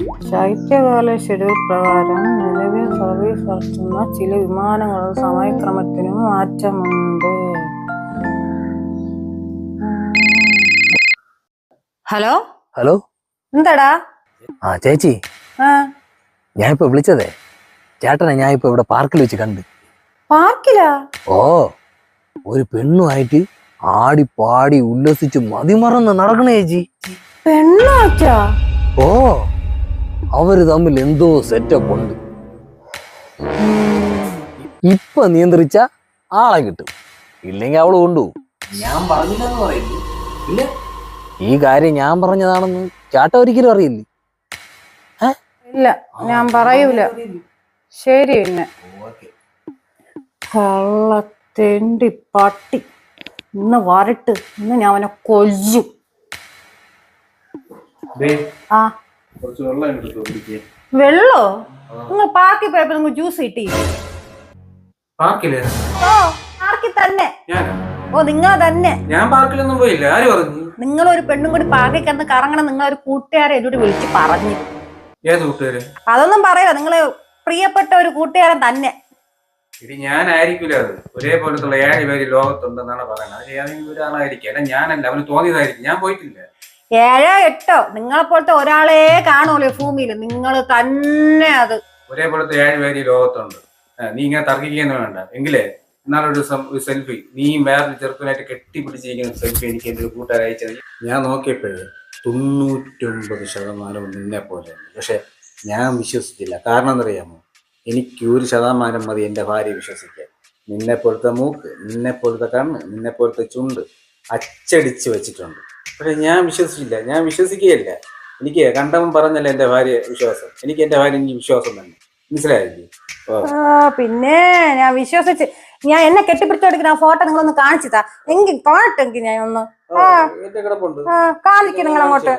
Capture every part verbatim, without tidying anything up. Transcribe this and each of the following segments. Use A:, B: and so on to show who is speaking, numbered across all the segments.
A: ശൈത്യകാല ഷെഡ്യൂൾ പ്രകാരം നിലവിൽ സർവീസ് നടത്തുന്ന ചില വിമാനങ്ങളുടെ സമയക്രമത്തിനും മാറ്റമുണ്ട്. ഹലോ
B: ഹലോ
A: എന്താടാ?
B: ആ ചേച്ചി,
A: ആ
B: ഞാൻ ഇപ്പൊ വിളിച്ചതേ ചേട്ടനെ ഞാൻ ഇപ്പൊ ഇവിടെ പാർക്കിൽ വെച്ച് കണ്ട്.
A: പാർക്കിലാ?
B: ഓ, ഒരു പെണ്ണുമായിട്ട് ആടി പാടി ഉല്ലസിച്ച് മതിമറന്ന് നടക്കണേ ചേച്ചി.
A: പെണ്ണാച്ചാ?
B: ഓ, അവര് തമ്മിൽ എന്തോ സെറ്റപ്പ് ഉണ്ട്. ഇപ്പൊ നിയന്ത്രിച്ച ആളെ കിട്ടും, ഇല്ലെങ്കിൽ അവള് കൊണ്ടുപോകും. ഞാൻ പറഞ്ഞില്ലെന്ന് പറയില്ലേ? ഇല്ല, ഈ കാര്യം ഞാൻ പറഞ്ഞതാണെന്ന് ചേട്ട ഒരിക്കലും അറിയില്ലേ?
A: ഇല്ല, ഞാൻ പറയൂല. ശരി, പിന്നെ കള്ളത്തെണ്ടി പട്ടി ഇന്ന് വരട്ട്, ഇന്ന് ഞാൻ അവനെ കൊല്ലും. ആ വെള്ളോ? നിങ്ങൾ പാർക്കിൽ പോയപ്പോ നിങ്ങൾ ജ്യൂസ് കിട്ടി? ഓ, പാർക്കിൽ തന്നെ. ഓ, നിങ്ങൾ തന്നെ.
C: ഞാൻ പാർക്കിലൊന്നും പോയില്ല. ആര് പറഞ്ഞു?
A: നിങ്ങൾ ഒരു പെണ്ണും കൂടി പാർക്കിൽ കിടന്ന് കറങ്ങണം. നിങ്ങളൊരു കൂട്ടുകാരെ എന്നോട് വിളിച്ച് പറഞ്ഞു.
C: ഏത് കൂട്ടുകാര്?
A: അതൊന്നും പറയല, നിങ്ങള് പ്രിയപ്പെട്ട ഒരു കൂട്ടുകാരൻ തന്നെ.
C: ഇത് ഞാനായിരിക്കില്ല. അത് ഒരേപോലത്തുള്ള ഏഴ് പേര് ലോകത്തുണ്ടെന്നാണ് പറയുന്നത്. അത് ഏതെങ്കിലും ഒരാളായിരിക്കും. അല്ല, ഞാനല്ല, അവന് തോന്നിയതായിരിക്കും. ഞാൻ പോയിട്ടില്ല.
A: ഏഴോ എട്ടോ നിങ്ങളെ പോലത്തെ ഒരാളെ കാണുമല്ലോ ഭൂമിയിൽ, നിങ്ങൾ തന്നെ അത്.
C: ഒരേപോലത്തെ ഏഴ് പേര് ലോകത്തുണ്ട്. നീ ഇങ്ങനെ തർക്കിക്കൊന്നും വേണ്ട. എങ്കിലേ എന്നാലൊരു ദിവസം ഒരു സെൽഫി നീയും വേറൊരു ചെറുപ്പനായിട്ട് കെട്ടിപ്പിടിച്ചിരിക്കുന്ന സെൽഫി എനിക്ക് എൻ്റെ ഒരു കൂട്ടുകാർ അയച്ചത്. ഞാൻ നോക്കിയപ്പോഴേ തൊണ്ണൂറ്റൊമ്പത് ശതമാനവും നിന്നെ പോലെയാണ്. പക്ഷെ ഞാൻ വിശ്വസിച്ചില്ല. കാരണം എന്നറിയാമോ? എനിക്ക് ഒരു ശതമാനം മതി എൻ്റെ ഭാര്യയെ വിശ്വസിക്കാൻ. നിന്നെ പോലത്തെ മൂക്ക്, നിന്നെ പോലത്തെ കണ്ണ്, നിന്നെ പോലത്തെ ചുണ്ട് അച്ചടിച്ച് വെച്ചിട്ടുണ്ട്. പക്ഷെ ഞാൻ വിശ്വസിച്ചില്ല. ഞാൻ വിശ്വസിക്കുകയില്ല. എനിക്ക് കണ്ടവൻ പറഞ്ഞല്ല എൻ്റെ ഭാര്യ വിശ്വാസം. എനിക്ക് എൻ്റെ ഭാര്യ എനിക്ക് വിശ്വാസം തന്നെ. മനസ്സിലായില്ലേ?
A: പിന്നെ ഞാൻ വിശ്വസിച്ച് ഞാൻ എന്നെ കെട്ടിപ്പിടിച്ചോടിക്കുന്ന ആ ഫോട്ടോ നിങ്ങളൊന്ന് കാണിച്ചിട്ടാ എങ്കിൽ കാണട്ടെങ്കിൽ ഞാൻ ഒന്ന് കാണിക്കും. നിങ്ങൾ അങ്ങോട്ട്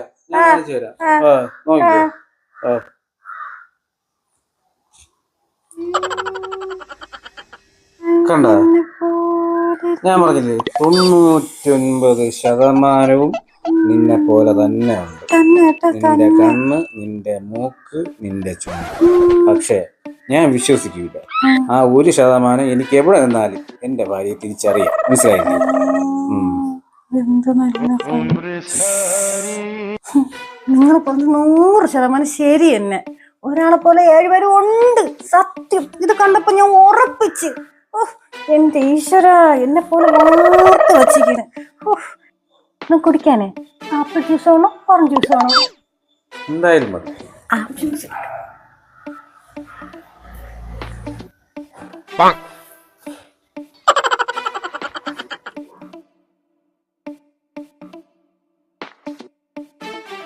C: കണ്ട, ഞാൻ പറഞ്ഞില്ലേ തൊണ്ണൂറ്റൊൻപത് ശതമാനവും നിന്നെ പോലെ തന്നെ ഉണ്ട്. നിന്റെ കണ്ണ്, നിന്റെ മൂക്ക്, നിന്റെ ചുണ്ട്. പക്ഷെ ഞാൻ വിശ്വസിക്കില്ല. ആ ഒരു ശതമാനം എനിക്ക് എവിടെ നിന്നാലും എന്റെ ഭാര്യയെ തിരിച്ചറിയാം. മനസ്സിലായില്ലേ?
A: നിങ്ങൾ പറഞ്ഞ നൂറ് ശതമാനം ശരി തന്നെ. ഒരാളെ പോലെ ഏഴുപേരും ഉണ്ട്, സത്യം. ഇത് കണ്ടപ്പോ ഞാൻ ഉറപ്പിച്ച്. എന്റെ ഈശ്വര, എന്നെ പോലെ ഓർത്ത് വച്ചിരിക്കണ്. കുടിക്കാനേ ആപ്പിൾ ജ്യൂസ് ആണോ ഓറഞ്ച് ജ്യൂസ് ആണോ?
C: എന്തായാലും മതി.
A: Apple juice.